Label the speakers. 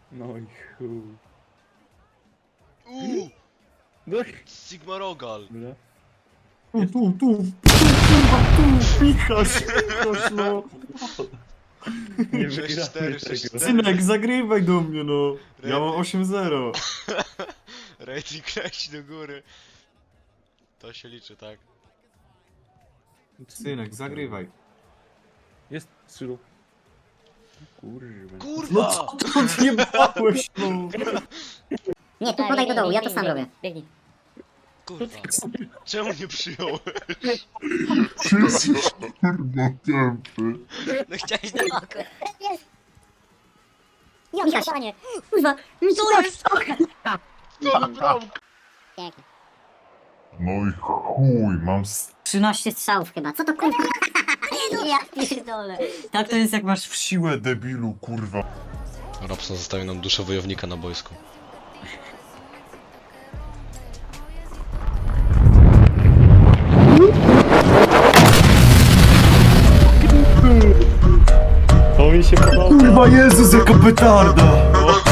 Speaker 1: No i chuj. No i...
Speaker 2: Sigma Rogal.
Speaker 1: Dobra.
Speaker 3: Tu, Michaś, no.
Speaker 1: Nie
Speaker 2: 6-4,
Speaker 1: wygramy
Speaker 2: 6-4.
Speaker 1: tego.
Speaker 3: Synek, zagrywaj do mnie, no. Ja mam 8-0.
Speaker 2: Rating leci do góry. To się liczy, tak?
Speaker 3: Synek, zagrywaj.
Speaker 1: Jest Sylu. Kurwa.
Speaker 3: No
Speaker 2: Kurwa!
Speaker 3: co to odjebałeś, no?
Speaker 4: Nie, tu podaj do dołu, ja to sam robię.
Speaker 5: Biegnij.
Speaker 2: Kurwa. Czemu nie przyjąłeś?
Speaker 6: Jesteś kurwa tępy.
Speaker 5: No chciałeś na oko.
Speaker 4: Michaś,
Speaker 5: Panie.
Speaker 4: kurwa,
Speaker 5: Co jest?
Speaker 2: To naprawdę.
Speaker 4: Pięknie.
Speaker 6: No i chuj, mam
Speaker 4: 13 strzałów chyba, co to kurwa? Ja pierdolę.
Speaker 5: Tak to jest jak masz
Speaker 6: w siłę, debilu, kurwa.
Speaker 2: Robson zostawił nam duszę wojownika na boisku.
Speaker 1: To mi się podoba.
Speaker 3: Kurwa, Jezus, jaka petarda!